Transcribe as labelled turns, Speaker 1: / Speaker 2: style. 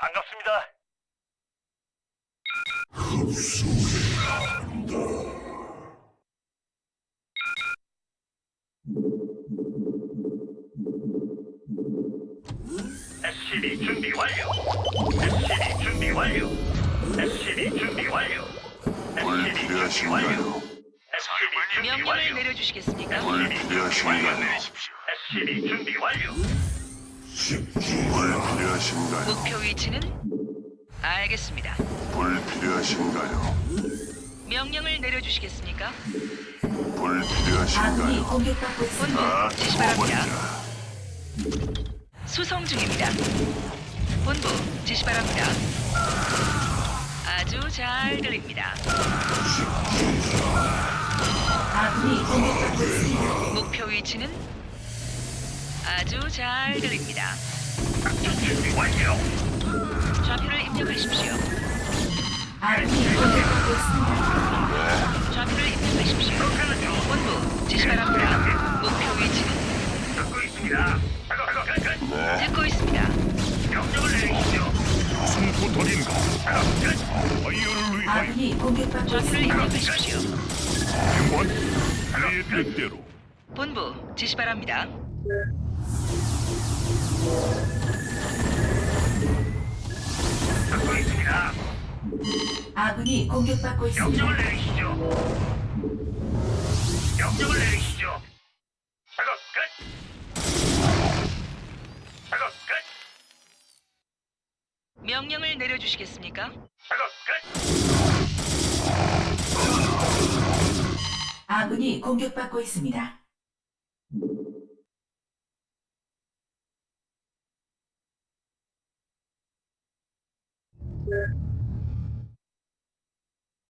Speaker 1: 반갑습니다. SCB 준비 완료. SCB 준비 완료. SCB 준비 완료.
Speaker 2: 뭘
Speaker 1: SCB 준비
Speaker 2: 필요하신가요?
Speaker 1: 완료. SCB 준비
Speaker 3: 명령을
Speaker 1: 완료.
Speaker 3: 내려주시겠습니까?
Speaker 2: 뭘 필요하신가요?
Speaker 1: SCB 준비 완료.
Speaker 2: 뭘 필요하신가요?
Speaker 3: 목표 위치는 알겠습니다.
Speaker 2: 뭘 필요하신가요?
Speaker 3: 명령을 내려주시겠습니까?
Speaker 2: 뭘
Speaker 4: 아군이
Speaker 2: 필요하신가요?
Speaker 4: 공격받고 있습니다.
Speaker 3: 본부 지시 바랍니다.
Speaker 2: 죽어버리자.
Speaker 3: 수송 중입니다. 본부 지시 바랍니다. 아주 잘 들립니다.
Speaker 4: 아군이 공격받고 있습니다.
Speaker 3: 목표 위치는 아주 잘 들립니다.
Speaker 1: 작전 준비 완료.
Speaker 3: 좌표를 입력하십시오.
Speaker 4: 아군이 공격받고 있습니다.
Speaker 3: 좌표를 입력하십시오.
Speaker 1: 그렇게는요.
Speaker 3: 본부 지시 바랍니다. 목표 위치는
Speaker 1: 듣고 있습니다. 작업 끝.
Speaker 2: 네,
Speaker 3: 듣고 있습니다.
Speaker 1: 명령을 내리시죠.
Speaker 2: 무슨 부탁인가?
Speaker 1: 작업 끝.
Speaker 2: 아이어를 위하여
Speaker 4: 아군이 공격받고
Speaker 3: 좌표를
Speaker 4: 있습니다.
Speaker 3: 입력하십시오.
Speaker 2: 원 내 뜻대로.
Speaker 3: 본부 지시 바랍니다.
Speaker 1: 듣고 있습니다.
Speaker 4: 아군이 공격받고 있습니다.
Speaker 1: 명령을 내리시죠. 명령을 내리시죠. 작업 끝. 작업 끝.
Speaker 3: 명령을 내려주시겠습니까?
Speaker 1: 작업 끝.
Speaker 4: 아군이 공격받고 있습니다.